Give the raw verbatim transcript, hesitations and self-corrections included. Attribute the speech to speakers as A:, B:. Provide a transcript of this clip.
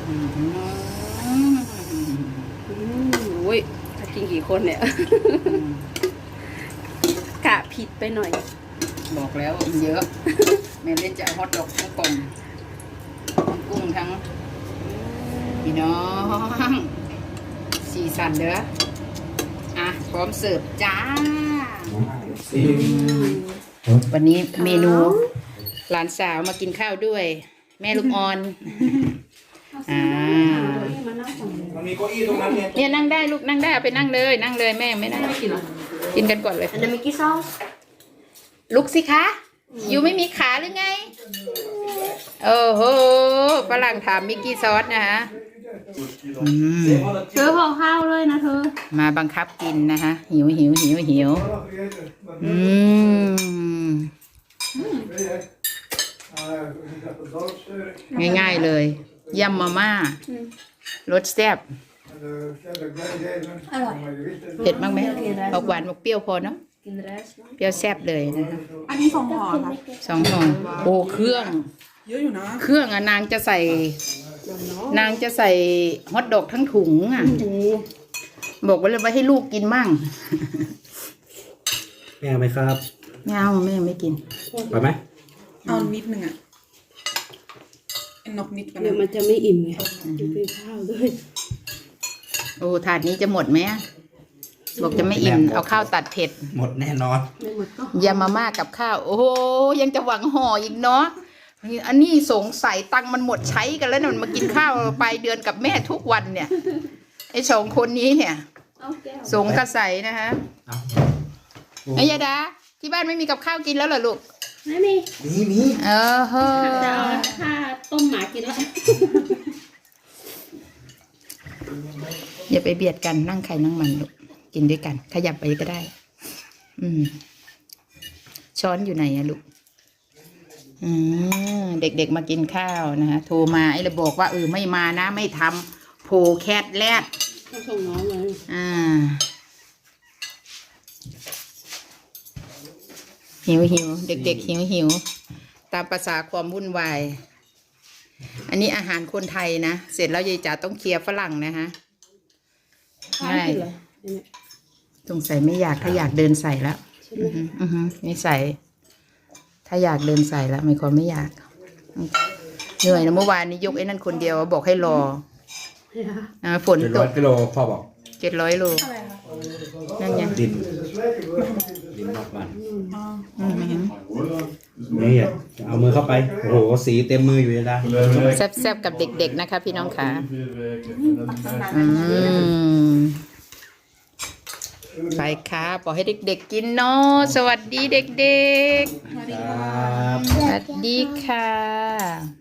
A: โอ้ยถ้ากินกี่คนเนี่ยกะผิดไปหน่อย
B: บอกแล้วเยอะแม่เล่นจะเอาฮอทดอกทั้งกลมกุ้งทั้งพี่น้องสีสันเด้ออ่ะพร้อมเสิร์ฟจ้าวันนี้เมนูหลานสาวมากินข้าวด้วย แม่ลูกอ่อนอ่า
C: มันมีเก้าอี้ตรงนั้นเนี่ย
B: เนี่ยนั่งได้ลูกนั่งได้เอาไปนั่งเลยนั่งเลยแม่ไม่นั่งกินหรอกินกันก่อนเลย
A: อันนั้นมิกกี้ซอส
B: ลุกสิคะอยู่ไม่มีขาหรือไงโอ้โหฝรั่งถามมิกกี้ซอสนะฮะ
A: เธอห่อข้าวเลยนะเธอ
B: มาบังคับกินนะคะหิวหิวหิวหิวอืมง่ายๆเลยยำมาม่ารสแซ่บเผ็ดมากไหมออกหวานออกเปรี้ยวพอเนาะเปรี้ยวแซ่บเลยนะคะ
D: อันนี้สองห่อค่ะ
B: สองห่อโอ้เครื่อง
D: เยอะอยู่นะ
B: เครื่องอะนางจะใส่นางจะใส่ฮอทดอกทั้งถุงอ่ะบอกไว้เลยว่าให้ลูกกินมั่ง
C: แม่เอาไหมครับ
B: ไม่เอาแม่ไม่กิน
C: ไปไหม
D: เอานิดนึงอ่ะนกนิดกัน
A: เดี๋ยวมันจะไม่อิ่มไงกินข้าวด้วย
B: โอ้ถาดนี้จะหมดไหมบอกจะไม่อิ่มเอาข้าวตัดเผ็ด
C: หมดแน่นอน
A: ไม่หมดก็
B: ยามาม่ากับข้าวโอ้โหยังจะหวังห่ออีกเนาะอันนี้สงสัยตังมันหมดใช้กันแล้วเนี่ยมันมากินข้าวไปเดือนกับแม่ทุกวันเนี่ยไอ้สองคนนี้เนี่ยสงกระใสนะคะไอ้ยาดาที่บ้านไม่มีกับข้าวกินแล้วเหรอลูก
A: ไม่มี
C: มีมี
B: เออเฮ้อ
A: จะเอาถ้าต้มหมากินแล้ว
B: อย่าไปเบียดกันนั่งใครนั่งมันลูกกินด้วยกันขยับไปก็ได้อืมช้อนอยู่ไหนอะลูกอืมเด็กๆมากินข้าวนะคะโทรมาไอ้ระบอกว่าเออไม่มานะไม่ทำโผแคทแรด
A: ต้องส่งน้องเลย
B: อ่าหิวหิวเด็กๆหิวหิวตามภาษาความวุ่นวายอันนี้อาหารคนไทยนะเสร็จแล้วยายจ๋าต้องเคลียร์ฝรั่งนะคะไม่สงสัยไม่อยากถ้าอยากเดินใส่แล้วอือฮึไม่ใส่ถ้าอยากเดินใส่แล้วไม่ควรไม่อยากเหนื่อยนะเมื่อวานนี้ยกไอ้นั่นคนเดียวบอกให้รอนะฝนตก
C: เจ็ดร้อยกิโลพ่อบอก
B: เจ็ดร้อยโลนั่นไง
C: ดินดินนอกบ้านนี่เอามือเข้าไปโอ้โหสีเต็มมืออยู่เลยนะ
B: แซ่บๆกับเด็กๆนะคะพี่น้องค่ะอืมไปค่ะปล่อยให้เด็กๆกินเนาะสวัสดีเด็กๆสวัสดีค่ะ